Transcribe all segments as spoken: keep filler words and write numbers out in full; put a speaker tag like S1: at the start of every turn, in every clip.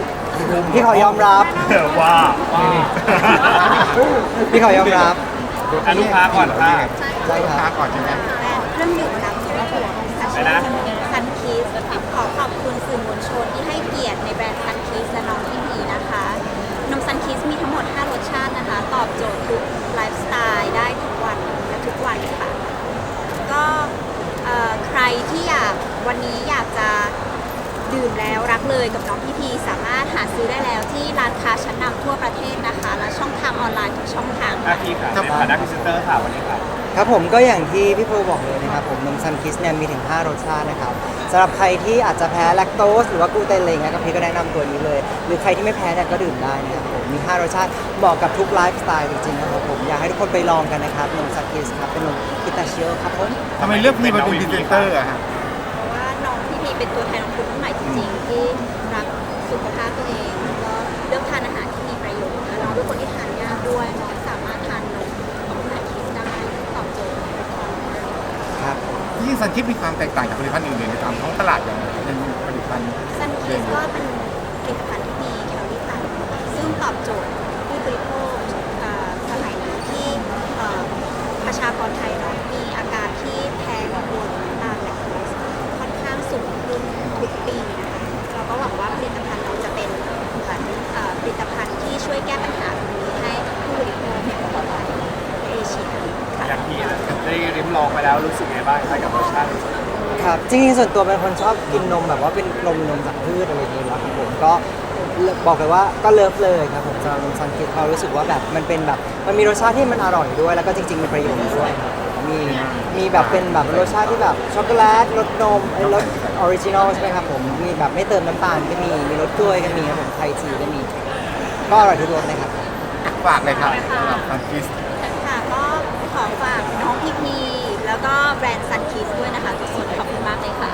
S1: พี่ขอยอมรับ
S2: ว่าว่า
S1: พี่ขอยอมรับ
S2: อนุภาก่อนค่ะ
S1: ใช่ครับ
S3: ค้าก่อนใช่ไหม
S4: เครื่องดื่มน้ำถั่วของซัช
S2: ไปนะ
S4: ซันคีสขอขอบคุณสื่อมวลชนที่ให้เกียรติในแบรนด์ซันคีสและน้องพี่พีนะคะนมซันคีสมีทั้งหมดห้ารสชาตินะคะ ตอบโจทย์ทุกไลฟ์สไตล์ได้ทุกวันและทุกวันค่ะ ก็เอ่อใครที่อยากวันนี้อยากจะดื่มแล้วรักเลยกับน้องพี่พีสามารถหาซื้อได้แล้วที่ร้านค้าชั้นนำทั่วประเทศนะคะ และช่องทางออนไลน์ทุกช่องทาง
S2: หน้าที่ค่ะในฐานะพรีเซนเตอร์ค่ะวันนี้ค่ะ
S1: ครับผมก็อย่างที่พี่โพบอกเลยนะครับผมนมซันคิสเนี่ยมีถึงห้ารสชาตินะครับสำหรับใครที่อาจจะแพ้แลคโตสหรือว่ากลูเตนอะไรเงี้ยก็พี่ก็แนะนำตัวนี้เลย หรือใครที่ไม่แพ้เนี่ยก็ดื่มได้นะครับผมมีห้ารสชาติเหมาะกับทุกไลฟ์สไตล์จริงๆนะครับผมอยากให้ทุกคนไปลองกันนะครับนมซันคิสครับเป็นนมพิตาชิโอครับผม
S3: ทำไมเลือกพี่มาเป็นพรีเซนเตอร์อะฮะ
S4: เพราะว่าน้องพี่พีเป็นตัวแทนของคนรุ่นใหม่จริงๆ ที่รักสุขภาพตัวเองแล้วก็เลือกทานอาหารที่มีประโยชน์นะน้องเป็นคนที่ทานยากด้วยน้องสามารถทานนมของซันคิสได้ตอบโจทย์
S1: ครับ
S3: ที่ซันคิดมีความแตกต่างจากผลิตภัณฑ์อื่นๆในตามท้องตลาดอย่างไรเป็นผลิตภัณฑ์
S4: ซันคิสก็เป็นผลิตภัณฑ์ที่มีแคลอรี่ต่ำซึ่งตอบโจทย์ผู้บริโภคเอ่อสมัยนี้ที่เอ่อประชากรไทยเนาะมีอาการที่แพ้กังวลน้ำตาลแลคโตสค่อนข้างสูงขึ้นทุกปีนะคะเราก็หวังว่าผลิตภัณฑ์เราจะเป็นเหมือนเอ่อผลิตภัณฑ์ที่ช่วยแก้ปัญหาตรงนี้ให้ผู้บริโภคในประเทศไทยในเอเชียค่ะ
S2: อย่างที่ได้ริมลองไปแล้วรู้สึกไงบ้างคะกับรสชาติ
S1: ครับจริงๆส่วนตัวเป็นคนชอบกินนมแบบว่าเป็นนมนมจากพืชอะไรอย่างเงี้ยครับผมก็บอกเลยว่าก็เลิฟเลยครับผมสำหรับนมซันคิสเรารู้สึกว่าแบบมันเป็นแบบมันมีรสชาติที่มันอร่อยด้วย แล้วก็จริงๆมีประโยชน์ด้วยครับมีมีแบบเป็นแบบรสชาติที่แบบช็อกโกแลตรสนมไอ้รสออริจินอลใช่ไหมครับผมมีแบบไม่เติมน้ำตาลก็มีมีรสกล้วยก็มีครับผมไทยทีก็มี ก็อร่อยทุกรสเลยครับ
S3: ฝากเลยครับสำหรับซันคิส
S4: ค่ะก็ขอฝากน้องพีพีแล้วก็แบรนด์ซันคิสด้วยนะคะทุกคนขอบคุณมากเลยค่ะ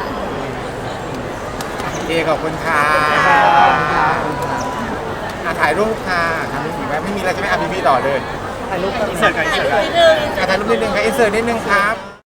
S3: เอขอบคุณค่ะ
S1: ขอบคุณครับขอบคุณครับ
S3: อ่ะถ่ายรูปค่ะถ่ายรูปอีกไหมไม่มีอะไรใช่ไหมอ่ะพี่พี่ต่อเลย
S1: ถ่ายรูปกัน
S2: เสิร์ฟกันเสิร์ฟกัน
S3: อ่ะถ่ายรูปนิดนึงค่ะอินเสิร์ตนิดนึงครับ